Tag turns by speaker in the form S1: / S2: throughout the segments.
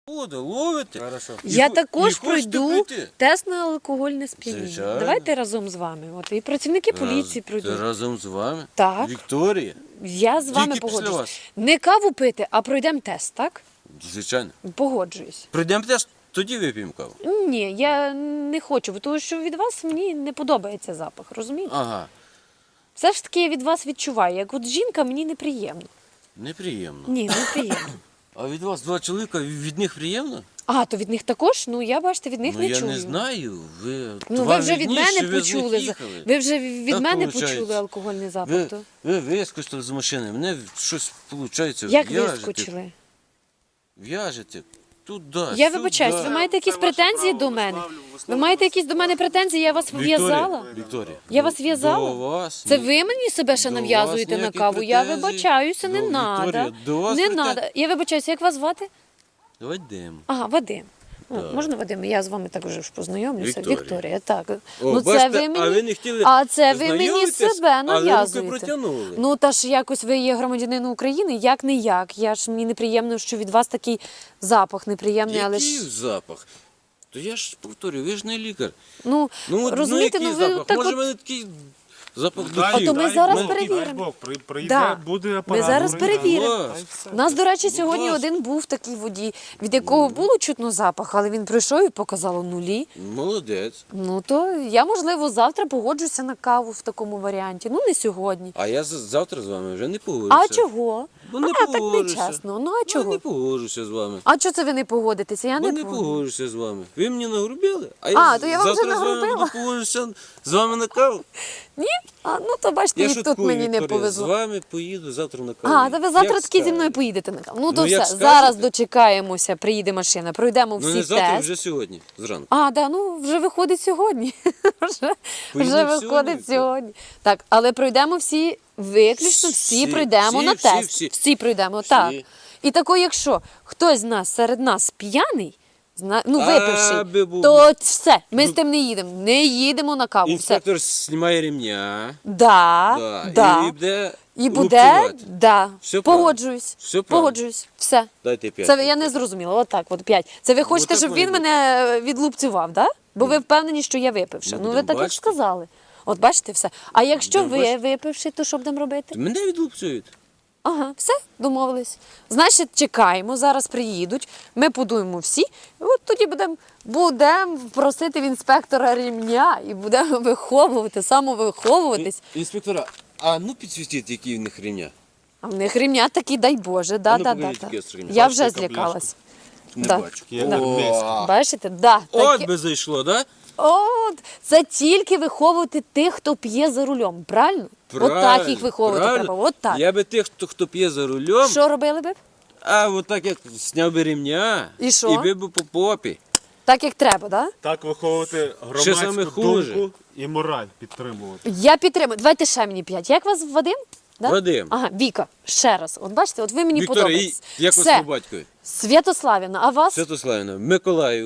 S1: Буду ловити.
S2: Хорошо.
S3: Я
S1: І
S3: також
S1: хочете
S3: пройду
S1: пройти?
S3: тест на алкогольне сп'яніння.
S1: Звичайно.
S3: Давайте разом з вами. От і працівники поліції пройдуть.
S1: Разом з вами?
S3: Так.
S1: Вікторія?
S3: Я з вами
S1: Тільки після
S3: погоджуюсь.
S1: вас.
S3: Не каву пити, а пройдемо тест, так?
S1: Звичайно.
S3: Погоджуюсь.
S1: Прийдемо теж, тоді вип'ємо каву.
S3: Ні, я не хочу, тому що від вас мені не подобається запах, розумієте?
S1: Ага.
S3: Все ж таки я від вас відчуваю, як от жінка мені неприємно.
S1: Неприємно.
S3: Ні, неприємно.
S1: А від вас два чоловіка, від них приємно?
S3: А, то від них також? Ну, я, бачите, від них
S1: Ну
S3: не
S1: я
S3: чую.
S1: не знаю.
S3: Ну, ви
S1: вам
S3: вже від
S1: видніше,
S3: мене
S1: ви з них
S3: почули.
S1: їхали.
S3: Ви вже від
S1: Так
S3: мене
S1: получається.
S3: почули алкогольний запах. то.
S1: Ви вискочили з машини, мене щось виходить.
S3: Як вискочили?
S1: В'яжете. Туди,
S3: Я вибачаюсь, ви маєте якісь претензії до мене? Ви маєте якісь до мене претензії? Я вас в'язала?
S1: Вікторія.
S3: Я вас в'язала?
S1: До вас.
S3: Це
S1: ні-
S3: ви мені себе ще
S1: до
S3: нав'язуєте
S1: вас
S3: на
S1: ніяких
S3: каву? Я
S1: претензій.
S3: вибачаюся, не
S1: До
S3: треба.
S1: Вікторія, до вас
S3: Не
S1: претензій.
S3: треба. Я вибачаюся, як вас звати?
S1: Вадим.
S3: Ага, Вадим. Ну,
S1: Так.
S3: можна Вадим? Я з вами так вже ж познайомлюся.
S1: Вікторія.
S3: Вікторія, так.
S1: О,
S3: Ну, це
S1: бачите,
S3: ви мені...
S1: а ви не хотіли
S3: А це ви мені
S1: знайомитись,
S3: себе
S1: але руки
S3: нав'язуєте.
S1: протягнули.
S3: Ну, та ж якось ви є громадянин України, як не як. Мені неприємно, що від вас такий запах неприємний, але
S1: Який
S3: ж...
S1: запах? То я ж повторюю, ви ж не лікар.
S3: Ну,
S1: От,
S3: розумієте,
S1: який
S3: ви
S1: запах?
S3: так
S1: Може,
S3: от...
S1: в мене такий запах
S2: Дай-
S1: духів.
S3: то ми
S2: дай
S3: зараз
S2: Бог,
S3: перевіримо.
S2: дай Бог, прийде,
S3: Да.
S2: буде
S3: Ми
S2: апарат.
S3: зараз
S2: прийде.
S3: перевіримо.
S1: Клас.
S2: Та й все.
S3: У нас, до речі,
S1: Ну,
S3: сьогодні
S1: клас.
S3: один був такий водій, від якого було чутно запах, але він прийшов і показало нулі.
S1: Молодець.
S3: Ну, то я, можливо, завтра погоджуся на каву в такому варіанті. Ну, не сьогодні.
S1: А я завтра з вами вже не погоджуся.
S3: А чого?
S1: Бо не
S3: так
S1: погоджуся.
S3: нечесно. Ну, а
S1: Я
S3: чого?
S1: не погоджуся з вами.
S3: А чого це ви не погодитеся? Я
S1: Бо
S3: не
S1: не
S3: погоджуся.
S1: погоджуся з вами. Ви мені нагрубили, а я
S3: А, то я вам вже
S1: завтра з вами
S3: нагрубила.
S1: буду погоджуся з вами на каву.
S3: Ні? А, ну, то бачите,
S1: Я
S3: і тут
S1: шуткую,
S3: мені не
S1: Вікторія,
S3: повезло.
S1: з вами поїду завтра на каву.
S3: А, то ви завтра
S1: Як
S3: таки зі
S1: скажете.
S3: мною поїдете на каву. Ну, то
S1: Ну, як
S3: все,
S1: скажете.
S3: зараз дочекаємося, приїде машина, пройдемо
S1: Ну
S3: всі
S1: не завтра,
S3: тест.
S1: вже сьогодні, зранку.
S3: А, да, ну вже виходить сьогодні. вже
S1: Поїдемо
S3: виходить
S1: сьогодні?
S3: сьогодні. Так, але пройдемо всі, виключно всі
S1: Всі,
S3: пройдемо
S1: всі,
S3: на
S1: всі,
S3: тест.
S1: всі.
S3: Пройдемо,
S1: Всі.
S3: так. І тако, якщо хтось з нас серед нас п'яний, ну
S1: А,
S3: випивший,
S1: би-бу.
S3: то все, ми з тим не їдемо. Не їдемо на каву. Все.
S1: Інспектор знімає ремня.
S3: Да.
S1: І буде
S3: І буде,
S1: лупцювати.
S3: да.
S1: Все правильно.
S3: Погоджуюсь.
S1: Все правильно.
S3: Погоджуюсь. Все.
S1: Дайте 5.
S3: Це я не зрозуміла. Отак, от 5. Це ви хочете,
S1: так
S3: щоб
S1: має
S3: він
S1: бути.
S3: мене відлупцював, да? Бо ви впевнені, що я випивши.
S1: Ну,
S3: Ну, ви
S1: будемо
S3: так як
S1: бачити.
S3: сказали. От бачите все. А якщо
S1: Будемо
S3: ви
S1: бачити.
S3: випивши, то що будемо робити?
S1: Мене відлупцюють.
S3: Ага, все, домовились. Значить, чекаємо, зараз приїдуть, ми подуємо всі, і от тоді будемо просити в інспектора рівня і будемо виховувати, самовиховуватись.
S1: Інспектора, а ну підсвітіть, які в них ремня.
S3: А в них рівня такі, дай Боже,
S1: А ну,
S3: да.
S1: покажіть, які з ремня.
S3: Я
S2: Бачите,
S3: вже
S2: яка
S3: злякалась.
S1: Не
S3: Да.
S1: бачу.
S2: Є
S3: Да.
S2: армійська.
S3: Бачите? Да,
S1: От
S3: такі...
S1: би зайшло, да?
S3: От, це тільки виховувати тих, хто п'є за рулем, правильно? От так їх виховувати
S1: правильно.
S3: треба, от так.
S1: Я би тих, хто п'є за рулем,
S3: Що робили б?
S1: а от так як зняв би ремня
S3: І що?
S1: і бив би по попі.
S3: Так, як треба, да?
S2: Так виховувати
S1: Що саме
S2: громадську
S1: хуже?
S2: думку і мораль підтримувати.
S3: Я підтримую. Давайте ще мені 5. Як вас Вадим? Да?
S1: Вадим.
S3: Ага, Віка, ще раз. От бачите, от ви мені
S1: Вікторія,
S3: подобаєтесь.
S1: як вас
S3: Все.
S1: по батькові?
S3: Святославівна, а вас?
S1: Святославівна, Миколаїв.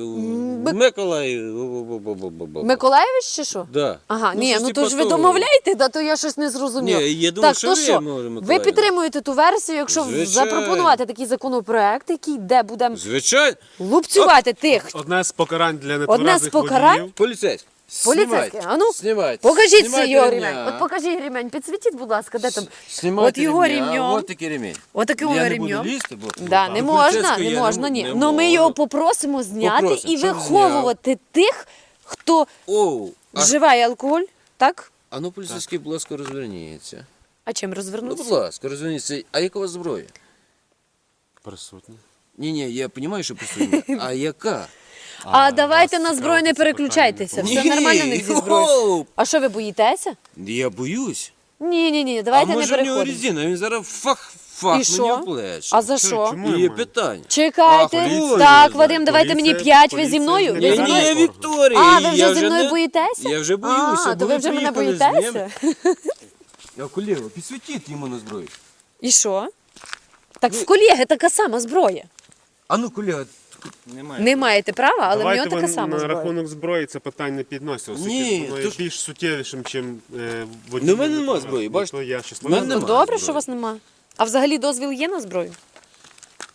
S3: Миколаєвич чи що?
S1: Да.
S3: Ага, ні,
S1: щось
S3: ну
S1: типа
S3: то ж ви
S1: того.
S3: домовляєте, да, то я щось не зрозуміла.
S1: Ні, я думав,
S3: так,
S1: що
S3: то
S1: ви,
S3: що?
S1: може,
S3: Ви
S1: Миколаївна.
S3: підтримуєте ту версію, якщо
S1: Звичайно.
S3: запропонувати такий законопроект, який де будемо
S1: Звичайно.
S3: лупцювати тих.
S2: Одне з покарань для
S3: Одне з
S2: нетверезих
S3: покарань?
S2: водіїв.
S1: Поліцейський.
S3: Поліцейський, а ну,
S1: Знімайте.
S3: покажіть
S1: Знімайте
S3: його
S1: ремня.
S3: ремень. От покажіть ремень, підсвітіть, будь ласка, де там.
S1: Знімайте
S3: От його
S1: ремня,
S3: ремнем.
S1: От такий ремінь.
S3: От таким
S1: Я не
S3: ремнем.
S1: буду лізти, бо...
S3: Да, не
S1: До
S3: можна,
S1: поліцейського
S3: не
S1: я
S3: можна, ні.
S1: не
S3: Ну ми
S1: можу.
S3: його попросимо зняти
S1: Попросимо,
S3: і
S1: щоб
S3: виховувати тих, хто
S1: Оу,
S3: вживає алкоголь, так?
S1: а ну поліцейський, будь ласка, розверніться.
S3: А чим
S1: Ну,
S3: розвернутися?
S1: будь ласка, розверніться. А яка у вас зброя?
S2: Присутні.
S1: Ні, я розумію, що присутня. А яка?
S3: А давайте
S2: вас
S3: на зброю не
S2: цікавить це
S3: переключайтеся.
S2: питання,
S3: Все нормально в них зі зброєю.
S1: Оу,
S3: А що ви боїтеся?
S1: я боюсь.
S3: Ні, давайте
S1: а
S3: не
S1: може в нього
S3: переходимо.
S1: резина, він зараз фах
S3: І
S1: мені
S3: що?
S1: в плечі.
S3: А за що?
S2: чому?
S1: І є
S2: Немає.
S1: питання.
S3: Чекайте.
S1: А, поліція
S3: Так,
S1: не
S3: Вадим,
S2: знає.
S3: давайте мені
S2: Поліція-
S3: 5, ви зі мною?
S2: поліція
S3: Ви
S2: не
S3: зі
S2: знає.
S3: мною?
S1: Ні, Вікторія.
S3: А, ви
S1: я
S3: вже зі мною
S1: не-
S3: боїтеся?
S1: Я вже боюся,
S3: А,
S1: бо
S3: то ви
S1: ви
S3: вже мене
S1: приїхали з ним.
S3: боїтеся?
S1: А колегу, підсвітіть йому на зброю.
S3: І що? Так в колеги така сама зброя.
S1: А ну, колега,
S2: Немає.
S3: Не маєте права, але в
S2: Давайте
S3: нього така
S2: ви
S3: сама
S2: на
S3: зброя.
S2: рахунок зброї це питання не підносить, оскільки
S1: Ні,
S2: воно
S1: то
S2: є
S1: ж-
S2: більш суттєвішим, чим водій.
S1: Ну, в мене нема зброї, бачите?
S2: То я
S1: В
S2: щасливий.
S1: мене
S3: Ну
S1: нема
S3: добре,
S1: зброї.
S3: що у вас нема. А взагалі дозвіл є на зброю?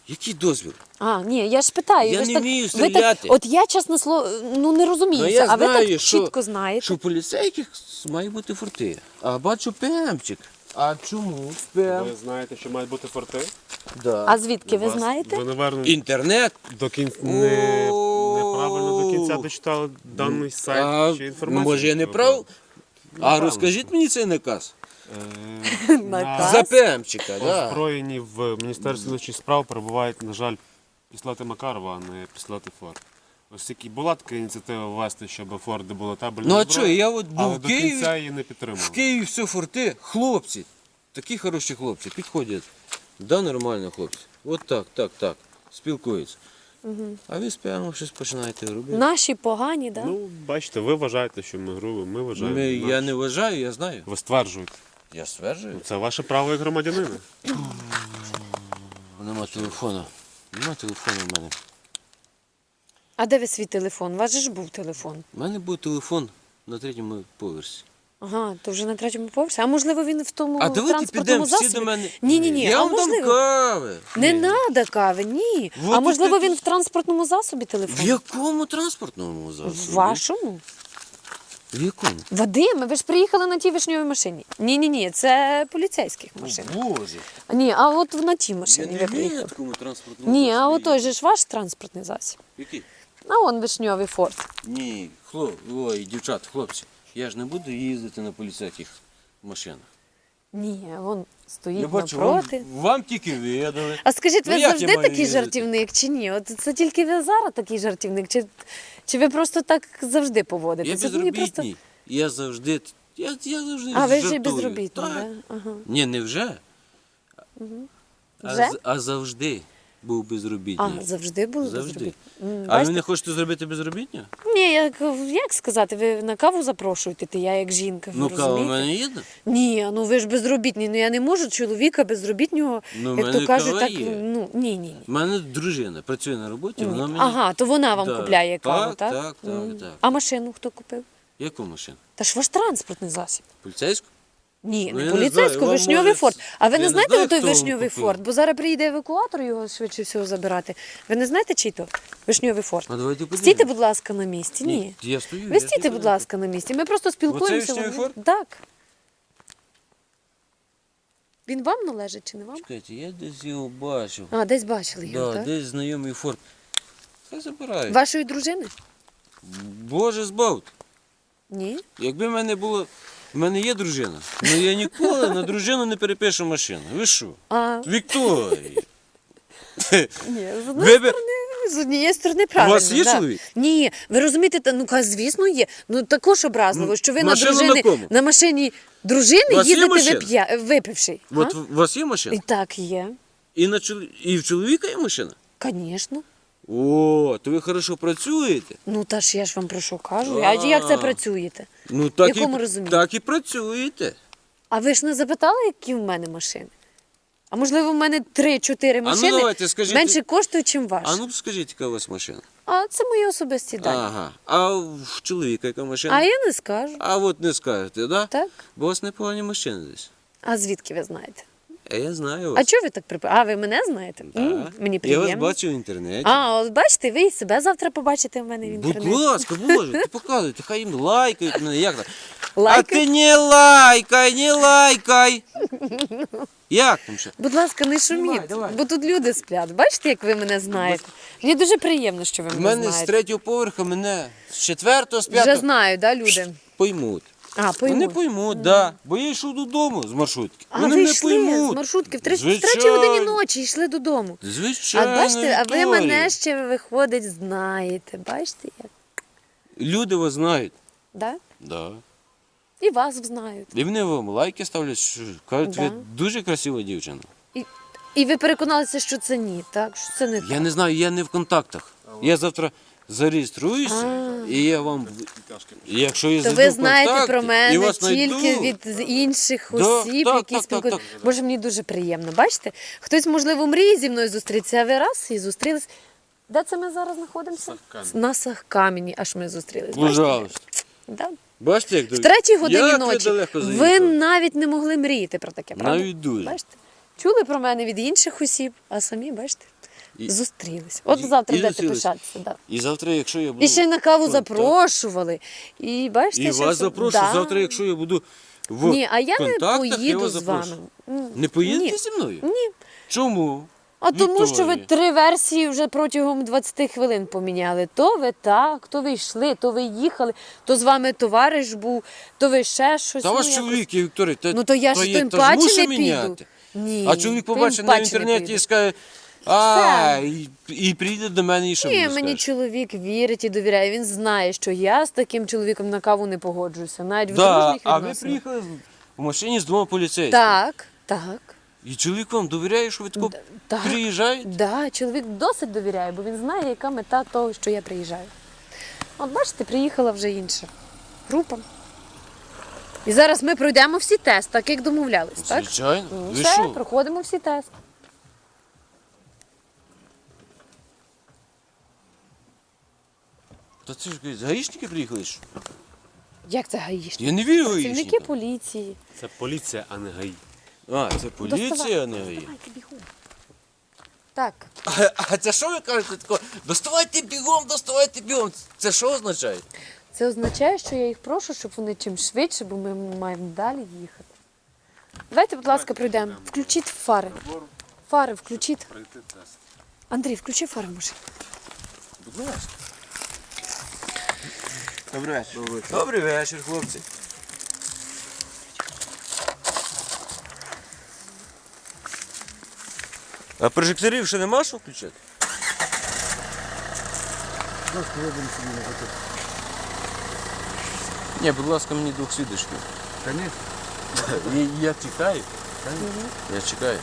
S1: Який дозвіл?
S3: А, ні, я ж питаю.
S1: Я
S3: ви ж
S1: не
S3: так,
S1: вмію
S3: ви так,
S1: стріляти.
S3: от я, чесно слово, ну не розуміюся,
S1: я
S3: а ви
S1: знаю,
S3: так
S1: що-
S3: чітко знаєте.
S1: Що у поліцейських має бути форти. А бачу ПМчик. А чому ПМ?
S2: Ви знаєте, що мають бути форти?
S1: Да.
S3: А звідки ви знаєте?
S2: Ви, напевно,
S1: Інтернет.
S2: до кінця
S1: О.
S2: неправильно до кінця дочитали даний сайт чи інформацію.
S1: Може я не прав? А розкажіть мені цей наказ.
S3: Наказ?
S1: За ПМчика, да.
S2: Озброєні в Міністерстві внутрішніх справ перебувають, на жаль, Післати Макарова, а не Післати Форд. Ось тільки була така ініціатива ввести, щоб Форди були табельні.
S1: Ну а що, я от
S2: але
S1: був в
S2: до кінця
S1: Києві,
S2: її не
S1: в
S2: підтримав.
S1: Києві все форти, хлопці, такі хороші хлопці, підходять. Да, нормально хлопці. От так, спілкуються. А ви з ПМом щось починаєте робити.
S3: Наші погані, так? Да?
S2: Ну, бачите, ви вважаєте, що ми грубі, ми вважаємо.
S1: Я
S2: інакше.
S1: не вважаю, я знаю.
S2: Ви стверджуєте.
S1: Я стверджую.
S2: Це ваше право як громадянина.
S1: Нема телефону. Нема телефону в мене.
S3: А де ви свій телефон? У вас же ж був телефон.
S1: У мене був телефон на 3-му поверсі.
S3: Ага, то вже на 3-му поверсі. А можливо він в тому
S1: А давайте
S3: транспортному
S1: підемо всі
S3: засобі?
S1: до мене.
S3: Ні,
S1: Я
S3: а
S1: вам дам
S3: можливо...
S1: кави.
S3: Не
S1: Ні.
S3: треба кави, ні.
S1: Вот
S3: А
S1: і
S3: можливо
S1: ти-
S3: він в транспортному засобі телефон?
S1: В якому транспортному засобі?
S3: В вашому?
S1: В якому?
S3: Вадиме, ви ж приїхали на тій вишньовій машині. Ні, це поліцейських машин.
S1: Боже.
S3: Ні, а от на тій
S1: Я
S3: машині
S1: не
S3: ви
S1: вмію на
S3: приїхали.
S1: такому транспортному
S3: Ні, а
S1: засобі
S3: отой же ж ваш транспортний засіб.
S1: Який?
S3: А он вишньовий форт.
S1: Ні, ой, дівчата, хлопці, я ж не буду їздити на поліцейських машинах.
S3: Ні, вон стоїть
S1: Я бачу,
S3: напроти.
S1: вам тільки видали.
S3: А скажіть,
S1: Ну,
S3: ви
S1: як я
S3: завжди
S1: маю
S3: такий
S1: їздити?
S3: жартівник чи ні? От це тільки ви зараз такий жартівник, чи ви просто так завжди
S1: Я
S3: поводитеся?
S1: безробітний. Я завжди. Я завжди
S3: А ви вже
S1: жартую.
S3: безробітний,
S1: Так.
S3: да? Ага.
S1: Ні, не вже.
S3: Вже?
S1: А завжди був безробітний.
S3: А, завжди були
S1: Завжди.
S3: безробітні?
S1: А ви не хочете зробити безробітня?
S3: Ні, як сказати, ви на каву запрошуєте, ти я як жінка, ви
S1: Ну, кава в
S3: розумієте?
S1: мене є?
S3: Ні, ну ви ж безробітні, ну я не можу чоловіка безробітнього,
S1: Ну, в
S3: як
S1: мене
S3: то кажуть,
S1: кава
S3: так,
S1: є.
S3: ну, ні.
S1: У мене дружина працює на роботі, вона мені.
S3: Ага, то вона вам
S1: Да.
S3: купляє каву, так?
S1: Так.
S3: А машину хто купив?
S1: Яку машину?
S3: Та ж ваш транспортний засіб.
S1: Поліцейську?
S3: Ні,
S1: Ну,
S3: не
S1: я не
S3: поліцейську,
S1: знаю, вам
S3: вишньовий
S1: може
S3: форт. А ви
S1: я
S3: не
S1: не
S3: знаєте
S1: знаю,
S3: той
S1: хто вам
S3: вишньовий
S1: купив.
S3: форт? Бо зараз приїде евакуатор його швидше всього забирати. Ви не знаєте, чий то вишньовий форт?
S1: А давайте подивимось.
S3: Стійте, будь ласка, на місці. Ні.
S1: Я стою.
S3: Ви стійте, будь ласка, на місці. Ми просто спілкуємося.
S1: вишньовий форт?
S3: Так. Він вам належить чи не вам?
S1: Чекайте, я десь його бачив.
S3: А, десь бачили його,
S1: Да,
S3: так?
S1: десь знайомий форт. Хай забирають.
S3: Вашої дружини?
S1: Боже збавте.
S3: Ні.
S1: Якби в мене було. В мене є дружина, але я ніколи на дружину не перепишу машину. Ви що?
S3: А,
S1: Вікторія.
S3: ні,
S1: Ви б-
S3: з однієї сторони правильно.
S1: вас є
S3: да.
S1: чоловік?
S3: Ні, ви розумієте, звісно, є. Ну також образливо, що ви на
S1: машина
S3: дружини
S1: на кому?
S3: на машині дружини
S1: У вас є
S3: їздите
S1: машина?
S3: випивши.
S1: От у вас є машина?
S3: І так є.
S1: І в чоловіка є машина?
S3: Звісно.
S1: О, то ви хорошо працюєте.
S3: Ну та ж я ж вам про що кажу. А як це працюєте?
S1: Ну так
S3: якому
S1: і,
S3: розумінні?
S1: так і працюєте.
S3: А ви ж не запитали, які в мене машини? А можливо, в мене 3-4 машини
S1: давайте, скажіть-
S3: менше коштують, ніж ваші.
S1: А ну скажіть, яка у вас машина?
S3: А це мої особисті дані.
S1: Ага. А в чоловіка яка машина?
S3: А я не скажу.
S1: А от не скажете, да?
S3: Так?
S1: Бо у вас непогані машини десь.
S3: А звідки ви знаєте?
S1: Я знаю
S3: А
S1: вас.
S3: чого ви так припи? А ви мене знаєте?
S1: Да.
S3: Мені
S1: Я
S3: приємно.
S1: вас бачу в інтернеті.
S3: А, от бачите, ви і себе завтра побачите в мене в
S1: Будь
S3: інтернеті.
S1: ласка, Боже, ти показуйте, хай їм лайкають мене, як так? А
S3: Лайкають?
S1: ти не лайкай, не лайкай. Як там ще?
S3: Будь ласка, не шуміть,
S1: давай.
S3: бо тут люди сплять. Бачите, як ви мене знаєте? Мені дуже приємно, що ви
S1: В
S3: мене
S1: мене з
S3: знаєте.
S1: 3-го поверха мене з 4-го, з
S3: Вже
S1: 5-го
S3: знаю, да, люди?
S1: поймуть.
S3: А,
S1: Вони
S3: поймуть.
S1: поймуть, да. Бо я йшов додому з маршрутки.
S3: А
S1: Вони
S3: ви
S1: не
S3: йшли
S1: поймуть.
S3: з маршрутки в 3
S1: Звичайно.
S3: годині ночі йшли додому.
S1: Звичайно,
S3: А бачите, а ви
S1: Вікторія.
S3: мене ще, виходить, знаєте. Бачите як?
S1: Люди вас знають.
S3: Да?
S1: Да.
S3: І вас знають.
S1: І вони вам лайки ставлять, що кажуть, ви
S3: Да.
S1: дуже красива дівчина.
S3: І ви переконалися, що це ні, так? Що це не так.
S1: Я не знаю, я не в контактах. Я завтра зареєструюся, і я вам, якщо я
S3: То
S1: зайду
S3: ви
S1: в
S3: знаєте
S1: контакти,
S3: про
S1: і
S3: мене
S1: вас
S3: тільки
S1: знайду.
S3: від інших
S1: Да,
S3: осіб,
S1: так,
S3: які
S1: так,
S3: спілкуються.
S1: так.
S3: Боже, мені дуже приємно. Бачите? Хтось, можливо, мріє зі мною зустрітися, а ви раз і зустрілись. Де це ми зараз знаходимося?
S2: Сахкамені.
S3: На Сахкамені, аж ми зустрілись. Бачите?
S1: Пожалуйста.
S3: Да.
S1: Бачите, як
S3: В 3-й годині
S1: як
S3: ночі
S1: ви далеко
S3: ви
S1: заїхали?
S3: навіть не могли мріяти про таке, правда?
S1: Навіть дуже.
S3: Бачите? Чули про мене від інших осіб, а самі, бачите?
S1: І-
S3: Зустрілись. От
S1: І-
S3: завтра
S1: і
S3: будете
S1: зустрілись.
S3: пишатися. Да.
S1: І завтра, якщо я буду...
S3: І ще й на каву
S1: контакт-
S3: запрошували. І бачите,
S1: І
S3: що
S1: вас
S3: все-
S1: запрошую.
S3: Да.
S1: Завтра, якщо я буду в
S3: Ні, а я не
S1: контактах, я
S3: поїду
S1: вас
S3: з вами.
S1: запрошую.
S3: М,
S1: Не поїдете
S3: Ні.
S1: зі мною?
S3: Ні.
S1: Чому?
S3: А тому, що ви
S1: Вікторія.
S3: 3 версії вже протягом 20 хвилин поміняли. То ви так, то ви йшли, то ви їхали, то з вами товариш був, то ви ще щось.
S1: Та
S3: ну,
S1: ваш
S3: якось.
S1: чоловік, я, Вікторія,
S3: Ну то я ж
S1: є-
S3: тим
S1: та ж
S3: паче
S1: мушу
S3: не
S1: міняти.
S3: піду. Ні,
S1: А чоловік
S3: тим
S1: побачить на
S3: паче не
S1: інтернеті
S3: піду.
S1: і скаже, і прийде до мене і що
S3: Ні,
S1: мені
S3: мені
S1: скаже?
S3: чоловік вірить і довіряє. Він знає, що я з таким чоловіком на каву не погоджуюся. Навіть в
S1: Да,
S3: дружніх
S1: а ви
S3: відносинах.
S1: приїхали в машині з 2 поліцейськими.
S3: Так, так.
S1: І чоловік вам довіряє, що ви тако
S3: так.
S1: приїжджаєте?
S3: Да, чоловік досить довіряє, бо він знає, яка мета того, що я приїжджаю. От бачите, приїхала вже інша група. І зараз ми пройдемо всі тести, так як домовлялись, так?
S1: Звичайно.
S3: Ну,
S1: Ви
S3: все,
S1: що?
S3: проходимо всі тести.
S1: Та це ж гаїшники приїхали? Що?
S3: Як це гаїшники?
S1: Я не вірю
S3: Працівники
S1: гаїшникам.
S3: поліції.
S2: Це поліція, а не ГАІ.
S1: А, це поліція, а не гаї.
S3: Давайте бігом. Так,
S1: А це що ви кажете тако? Доставайте бігом. Це що означає?
S3: це означає, що я їх прошу, щоб вони чим швидше, бо ми маємо далі їхати. Давайте, будь ласка, пройдемо. Включіть фари. Фари включіть.
S2: Пройти тест.
S3: Андрій, включи фари в машині.
S1: Будь ласка. Добрий вечір. Добрий вечір, хлопці. А прожекторів ще нема що включати? Ні, будь ласка, мені 2 свідочків. Я чекаю. Я чекаю.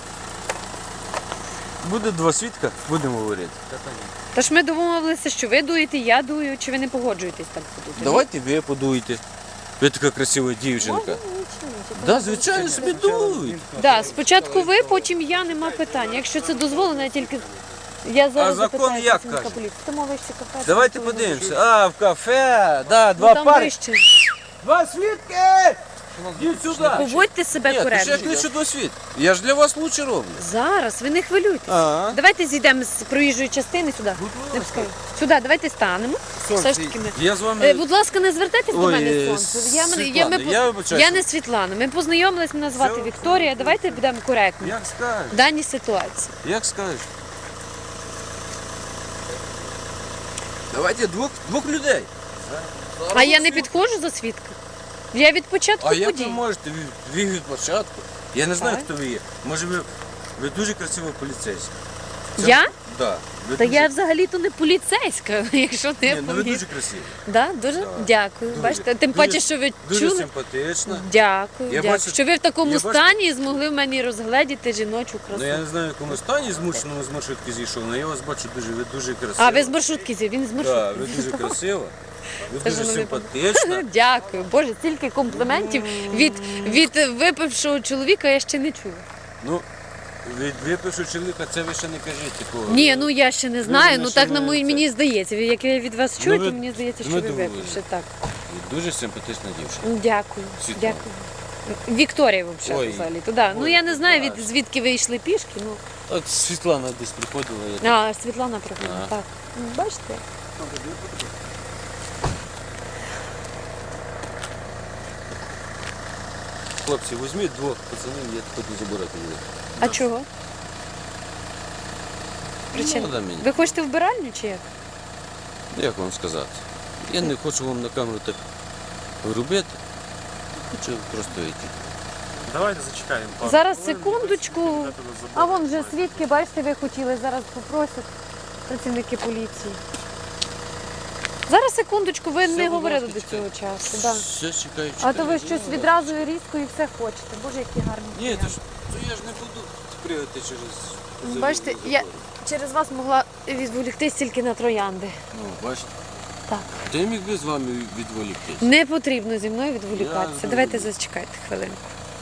S1: Буде 2 свідка, будемо говорити.
S3: Тож ми домовилися, що ви дуєте, я дую, чи ви не погоджуєтесь так подути?
S1: Давайте ви подуйте. Ви така красива дівчинка. Да, звичайно, собі дуйте.
S3: Да, спочатку ви, потім я, нема питань. Якщо це дозволено, я тільки... Я зараз
S1: А закон
S3: запитаю
S1: як
S3: працівника
S1: каже?
S3: поліції. Ти мовишся кафе.
S1: Давайте подивимося. А, в кафе, да,
S3: Ну,
S1: 2
S3: там
S1: пари.
S3: вище.
S1: 2 свідки! Йдіть сюди.
S3: Поводьте себе
S1: Ні, то ж я
S3: коректно.
S1: кличу до світ. Я ж для вас лучше роблю.
S3: Зараз, ви не хвилюйтесь.
S1: Ага.
S3: Давайте зійдемо з проїжджої частини сюди. Не пускаю. Сюди, давайте станемо. Все ж таки ми.
S1: Я з вами...
S3: Будь ласка, не звертайтесь до
S1: Ой,
S3: мене сонце.
S1: Світлана, я вибачаюся.
S3: Я не Світлана. Ми познайомились, мене звати
S1: Все,
S3: Вікторія. Давайте будемо коректні
S1: Як скажеш,
S3: в даній ситуації.
S1: як скажеш. Давайте двох людей.
S3: А я не підходжу за свідка. Я від початку
S1: А як
S3: подій.
S1: ви можете? Ви від початку. Я не знаю,
S3: Так.
S1: хто ви є. Може ви дуже красива поліцейська.
S3: Я?
S1: Да. Ви
S3: Та
S1: дуже...
S3: я взагалі-то не поліцейська, якщо не
S1: Ні, ну ви
S3: помітили.
S1: дуже красиві.
S3: Да, дуже дякую.
S1: Дуже.
S3: Бачите, тим
S1: Дуже-
S3: паче, що ви
S1: Дуже
S3: чули.
S1: симпатична.
S3: Дякую,
S1: Я
S3: дякую.
S1: бачу-
S3: Що ви в такому
S1: я бачу-
S3: стані і змогли в мені розгледіти жіночу красу.
S1: Ну я не знаю, в якому стані змушеному з маршрутки зійшов, але я вас бачу ви дуже красива.
S3: А ви з маршрутки зі, він з маршрутки.
S1: Да, ви дуже красива, ви
S3: Це ж
S1: дуже
S3: воно не
S1: симпатична.
S3: Дякую. Боже, стільки компліментів від випившого чоловіка я ще не чула.
S1: Ну, від випившого чоловіка це ви ще не кажіть такого.
S3: Ні, ну я ще не знаю,
S1: мене
S3: ну
S1: ще
S3: так
S1: не це.
S3: мені здається. Як я від вас чую,
S1: ви-
S3: то мені здається, що
S1: ми
S3: ви
S1: думали.
S3: випивши. Так.
S1: І дуже симпатична дівчина.
S3: Ну, дякую.
S1: Світлана.
S3: Дякую. Вікторія взагалі
S1: Ой.
S3: взагалі. Туди. Ну
S1: Ой,
S3: я не знаю,
S1: клас.
S3: звідки ви йшли пішки. Ну.
S1: От Світлана десь приходила. Я...
S3: А, Світлана приходила.
S1: Ага.
S3: Так. Ну, бачите?
S1: Хлопці, візьміть 2 пацанів, я буду забирати їх.
S3: А чого? Причина?
S1: Ну, да, мені.
S3: Ви хочете вбиральню чи як?
S1: Як вам сказати? Я не хочу вам на камеру так робити. Хочу просто йти.
S2: Давайте зачекаємо. пару
S3: Зараз
S2: хвилин,
S3: секундочку.
S2: де тебе заберуть.
S3: А вон вже свідки, бачите, ви хотіли, зараз попросять працівники поліції. Зараз секундочку, ви
S1: Все,
S3: не
S1: будь
S3: говорили
S1: ласка,
S3: до цього часу. Да.
S1: Все чекаю.
S3: А то ви щось відразу і різко і все хочете. Боже, які гарні.
S1: Ні,
S3: варіанти.
S1: то я ж не буду пригати через...
S3: Бачите, я через вас могла відволіктись тільки на троянди.
S1: Ну, бачите.
S3: Так.
S1: Та я міг би з вами відволіктись.
S3: Не потрібно зі мною відволікатися.
S1: Я
S3: Давайте
S1: розумію.
S3: зачекайте хвилинку.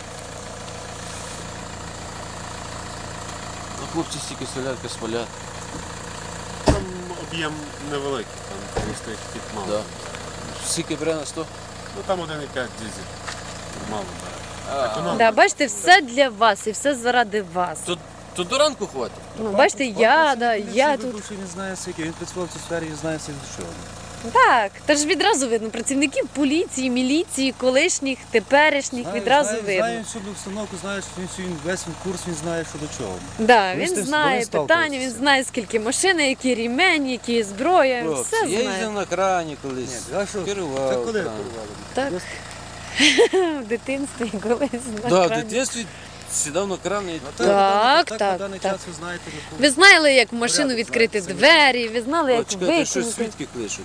S1: А хлопці стільки солярка спалять.
S2: Там об'єм невеликий, там стоїть хід мало.
S1: Да. Скільки бере на 100?
S2: Ну там 1,5 дизель. Мало бере.
S1: А,
S3: Да, бачите, все для вас і все заради вас.
S1: то то до ранку хватить.
S3: Ну, бачите, я тут.
S4: Він знає скільки, він працював в цій сфері, він знає скільки що.
S3: Так, та ж відразу видно працівників поліції, міліції, колишніх, теперішніх, відразу видно.
S4: Знає всю обстановку, знає, що він весь курс, він знає, що до чого.
S3: Да,
S4: Вони з
S3: він
S4: тим-
S3: знає
S4: вони
S3: питання,
S4: сталкуються.
S3: він знає, скільки машини, які рімені, які зброя,
S1: Хлопці,
S3: все
S1: я їздив
S3: знає.
S1: на крані колись.
S4: А що?
S1: Керував.
S4: Це коли
S1: кран.
S4: керували?
S3: Так. В дитинстві колись на
S1: Да, в
S3: крані.
S1: дитинстві сідав на кран і
S3: Так,
S4: на
S3: так,
S4: даний
S3: так.
S4: час ви знаєте, яку-
S3: Ви знали, як в машину
S4: Порядок
S3: відкрити
S4: знаєте,
S3: двері, ви знали,
S1: О,
S3: як
S1: чекайте, щось
S3: викинути.
S1: свідки кличуть.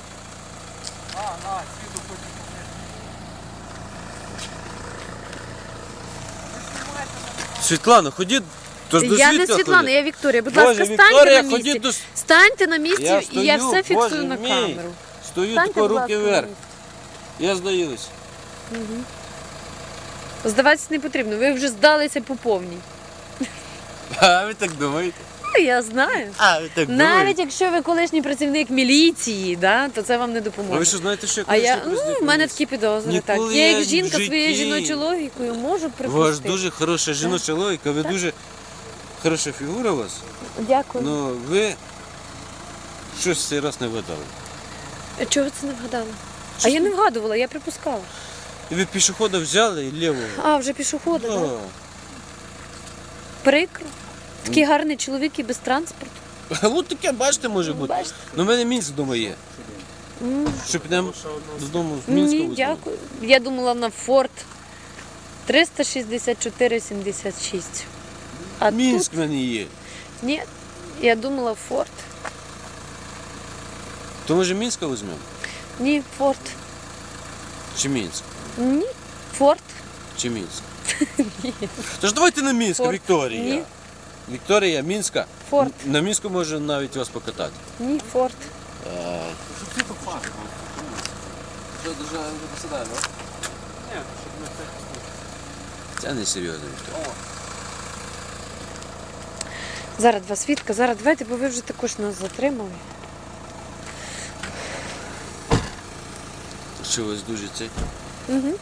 S1: Світлана, ходіть, то ж до
S3: Я не
S1: свідка
S3: Світлана,
S1: ходіть.
S3: я Вікторія. Будь
S1: Боже,
S3: ласка, станьте
S1: Вікторія,
S3: на
S1: ходіть
S3: місці.
S1: до...
S3: Станьте на місці,
S1: Я
S3: і я
S1: стою,
S3: все фіксую
S1: Боже
S3: на
S1: мій.
S3: камеру.
S1: Стою
S3: Станьте,
S1: тако
S3: будь
S1: руки
S3: ласка, на
S1: вверх.
S3: місці.
S1: Я здаюсь.
S3: Здаватися не потрібно, ви вже здалися по повній.
S1: А ви так думаєте?
S3: Ну, я знаю.
S1: А ви так
S3: Навіть якщо ви колишній працівник міліції, да, то це вам не
S1: А ви
S3: допоможе.
S1: що знаєте, що я
S3: А я,
S1: колишній
S3: ну,
S1: президент
S3: в мене
S1: поліції?
S3: такі підозри. Так.
S1: Ніколи
S3: Я
S1: я
S3: як
S1: в
S3: жінка своєю
S1: житті-
S3: жіночою логікою можу
S1: У вас
S3: припустити.
S1: дуже хороша жіноча логіка, ви дуже хороша фігура у вас.
S3: Дякую.
S1: Ну ви щось цей раз не вгадали.
S3: Чого ви це не вгадали? А я не вгадувала, я припускала.
S1: І ви пішохода взяли і лівого.
S3: А, вже пішоходи, так?
S1: Да.
S3: Прикро. Такий гарний чоловік і без транспорту.
S1: Ну таке, бачите, може бути.
S3: Бачите?
S1: Ну в мене Мінськ вдома є. Що підемо додому з Мінська
S3: Ні,
S1: візьмемо?
S3: дякую. Я думала на Форд 364,76. А
S1: Мінськ
S3: тут
S1: в мене є.
S3: ні, я думала Форд.
S1: То може Мінська візьмемо?
S3: Ні, Форд.
S1: Чи Мінськ?
S3: Ні, Форд.
S1: Чи Мінськ? Тож давайте на Мінська,
S3: Форд.
S1: Вікторія.
S3: Ні.
S1: Вікторія, Мінська.
S3: Форд.
S1: На Мінську може навіть вас покатати.
S3: Ні, Форд.
S1: Що, дуже посідає, так? Це не серйозно, Вікторія.
S3: Зараз два свідка, зараз давайте, бо ви вже також нас затримали.
S1: Що у вас дуже це?
S3: Угу.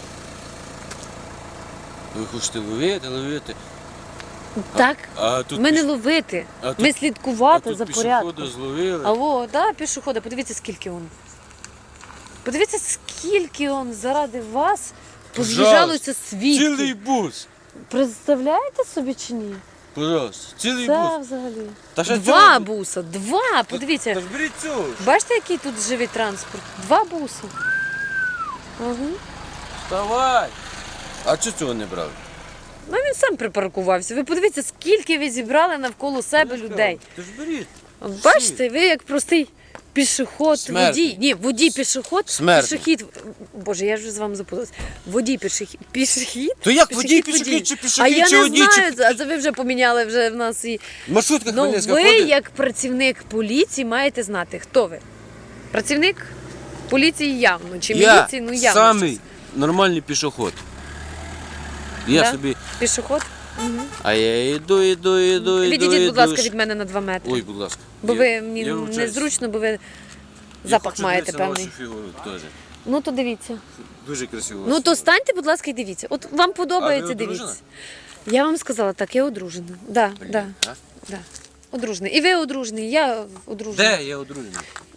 S1: Ви хочете ловити.
S3: Так,
S1: А тут,
S3: ми не ловити,
S1: а тут-
S3: ми слідкувати
S1: тут
S3: за
S1: пішохода
S3: порядком.
S1: зловили.
S3: Алло, да, пішохода, подивіться, скільки он. Подивіться, скільки он заради вас поз'їжджалося
S1: Цілий
S3: свідків.
S1: бус.
S3: Представляєте собі чи ні?
S1: Пожалуйста, цілий
S3: Це
S1: бус.
S3: взагалі.
S1: Та ще
S3: Два
S1: цього-
S3: буса, два, подивіться.
S1: Та ж беріть цього. ж.
S3: Бачите, який тут живий транспорт? Два буси. Угу.
S1: Вставай. А чого цього не брали?
S3: Ну він сам припаркувався. Ви подивіться, скільки ви зібрали навколо себе людей.
S1: Ти ж беріть.
S3: Бачите, ви як простий пішоход,
S1: Смертний.
S3: водій. Ні, водій пішоход,
S1: Смертний.
S3: пішохід. Боже, я вже з вами запуталась. Водій пішохід.
S1: То як водій, пішохід, чи
S3: А
S1: пішохід,
S3: я
S1: чи
S3: не
S1: водій,
S3: знаю,
S1: чи...
S3: а це ви вже поміняли вже в нас і.
S1: В маршрутках
S3: Ну
S1: Хмельницька
S3: ви,
S1: ходить?
S3: як працівник поліції, маєте знати, хто ви. Працівник поліції явно, чи
S1: Я
S3: міліції, ну явно.
S1: самий
S3: щось.
S1: нормальний пішоход. Я
S3: Да?
S1: собі...
S3: Пішоход.
S1: А я йду.
S3: Відійдіть, будь ласка, від мене на 2 метри.
S1: Ой, будь ласка.
S3: Бо ви мені
S1: я вибачаюсь.
S3: незручно, бо ви
S1: Я
S3: запах
S1: хочу
S3: маєте
S1: дивитися на
S3: певний.
S1: вашу фігуру теж.
S3: Ну то дивіться.
S1: Дуже красиво.
S3: Ну то станьте, будь ласка, і дивіться. От вам подобається,
S1: А ви одружена?
S3: дивіться. Я вам сказала, так, я одружена. Да, да,
S1: А?
S3: да. Одружений. І ви одружений, я одружена.
S1: Де я одружений?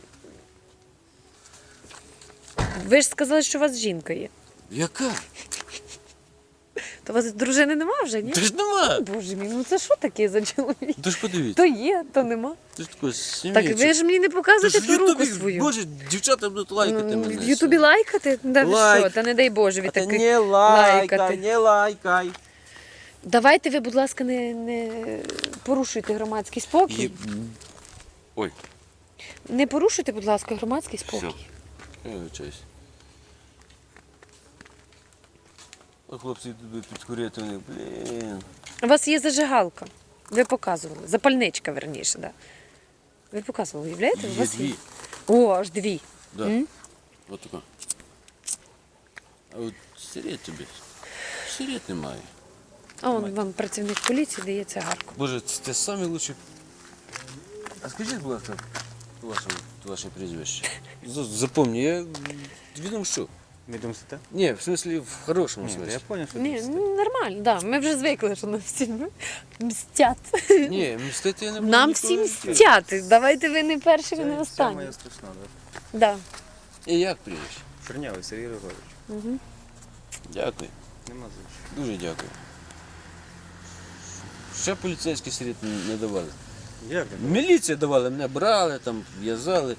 S3: Ви ж сказали, що у вас жінка є.
S1: Яка?
S3: То у вас дружини нема вже, ні?
S1: Та ж нема.
S3: Боже мій, ну це що таке за чоловік?
S1: Та ж подивіться.
S3: То є, то нема.
S1: Ти ж такий
S3: Так ви ж мені не показуєте
S1: в
S3: ту руку
S1: Ютубі,
S3: свою.
S1: Боже, дівчата будуть лайкати
S3: Ну,
S1: мене.
S3: в Ютубі лайкати? Да ви
S1: Лайк.
S3: що? Та не дай Боже від
S1: А ти
S3: таких
S1: не
S3: лайкати.
S1: не лайкай.
S3: Давайте ви, будь ласка, не порушуйте громадський спокій.
S1: Є- Ой,
S3: Не порушуйте, будь ласка, громадський спокій.
S1: я вибачаюсь. А хлопці йдуть підкурити, вони, блін.
S3: У вас є зажигалка. Ви показували. Запальничка, верніше, да. Ви показували, уявляєте? У
S1: Є
S3: вас
S1: дві.
S3: О, аж дві.
S1: Да.
S3: М?
S1: От така. А от сигарет тобі. Сигарет немає.
S3: А он вам працівник поліції дає цигарку.
S1: Боже, це самі лучші. А скажіть, будь ласка, ваше прізвище. Запомні, я відомо що.
S4: Ми думаєте?
S1: Ні, в смислі, в хорошому
S4: Ні, я
S1: смислі.
S4: зрозумів, що
S3: Ні,
S4: мстити.
S3: ну, нормально, да. Ми вже звикли, що нам всі мстять.
S1: Ні, мстити я не буду
S3: Нам
S1: ніколи
S3: всі
S1: не
S3: мстять. Давайте ви не перші, ви не
S4: Це
S3: останні.
S4: моя страшна, так?
S3: Да.
S1: І як прізвище?
S4: Чернявий Сергій Григорович.
S1: Дякую.
S4: Нема за що.
S1: Дуже дякую. Ще поліцейський слід не давали.
S4: Як ви?
S1: Міліція давала, мене брали, там, в'язали.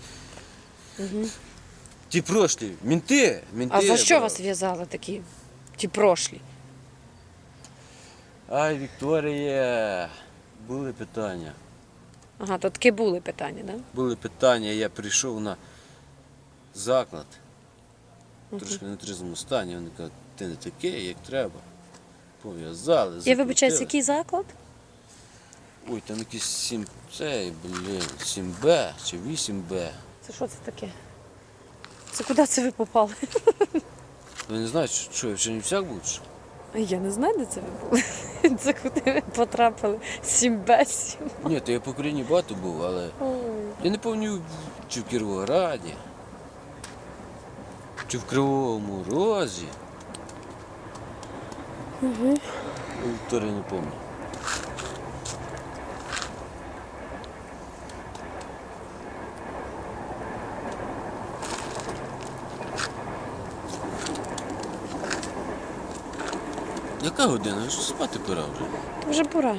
S1: Ті прошлі, мінти.
S3: А за що
S1: брали.
S3: вас в'язали такі? Ті прошлі?
S1: Ай, Вікторія, були питання.
S3: Ага, то таки були питання, так? Да?
S1: Були питання, я прийшов на заклад. Трошки в нетрезвому стані. Вони кажуть, ти не такий, як треба. Пов'язали,
S3: Я вибачаюсь,
S1: закрутили.
S3: який заклад?
S1: Ой, там якийсь 7, цей, 7Б чи 8Б.
S3: Це що це таке? Це куди це ви попали?
S1: Ви не знаєте, що я в Чернівцях був? чи що?
S3: Я не знаю, де це ви були. Це куди ви потрапили? 7Б7.
S1: Ні, то я по Україні багато був, але я не пам'ятаю, чи в Кіровограді, чи в Кривому Розі. Вікторія не пам'ятаю. Яка година? Ж спати пора вже.
S3: Вже пора.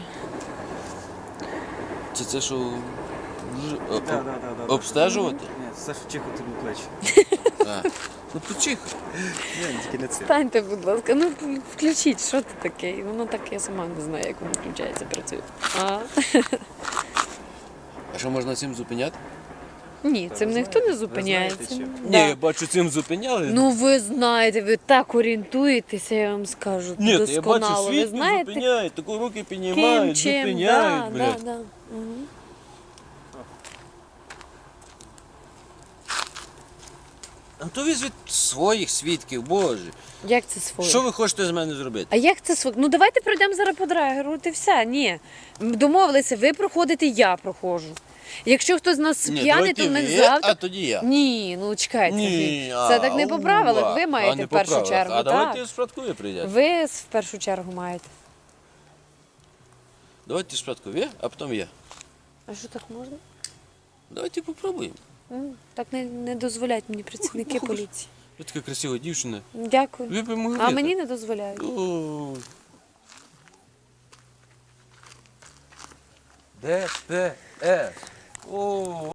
S1: Чи це що
S4: Да.
S1: обстежувати?
S4: Ні, це ж чихо тобі плечі.
S1: А, ну почихай.
S4: Ні, тільки не це.
S3: Станьте, будь ласка, ну включіть, що це таке? Воно так, я сама не знаю, як воно включається, працює.
S1: А що можна цим зупиняти?
S3: Ні, цим ніхто не
S4: знаєте
S3: зупиняється.
S4: чим?
S3: Да.
S1: Ні, я бачу, цим зупиняли.
S3: Ну ви знаєте, ви так орієнтуєтеся, я вам скажу.
S1: Ні, то я бачу,
S3: досконало. Ви
S1: світло
S3: знаєте,
S1: зупиняють, таку руки
S3: ким,
S1: піднімають,
S3: чим,
S1: зупиняють,
S3: да,
S1: блядь.
S3: да. Мгм.
S1: А то візьміть своїх свідків, боже.
S3: Як це своє?
S1: Що ви хочете з мене зробити?
S3: А як це своє? Ну давайте пройдемо зараз по драгеру, і все. Ні. Домовилися, ви проходите, я проходжу. Якщо хтось з нас
S1: Ні,
S3: п'яний, то
S1: давайте
S3: ми
S1: ви,
S3: завтра.
S1: а тоді я.
S3: Ні, ну чекайте.
S1: Ні,
S3: Це так не по правилах. Ви маєте
S1: не
S3: в
S1: по
S3: першу
S1: правилах.
S3: чергу.
S1: А
S3: так.
S1: давайте спочатку ви прийдете.
S3: Ви в першу чергу маєте.
S1: Давайте спочатку ви, а потім я.
S3: А що так можна?
S1: Давайте попробуємо.
S3: Так не дозволяють мені працівники поліції.
S1: Ви така красива дівчина.
S3: Дякую.
S1: Ви б могли.
S3: А мені не дозволяють.
S1: О. ДПС. О.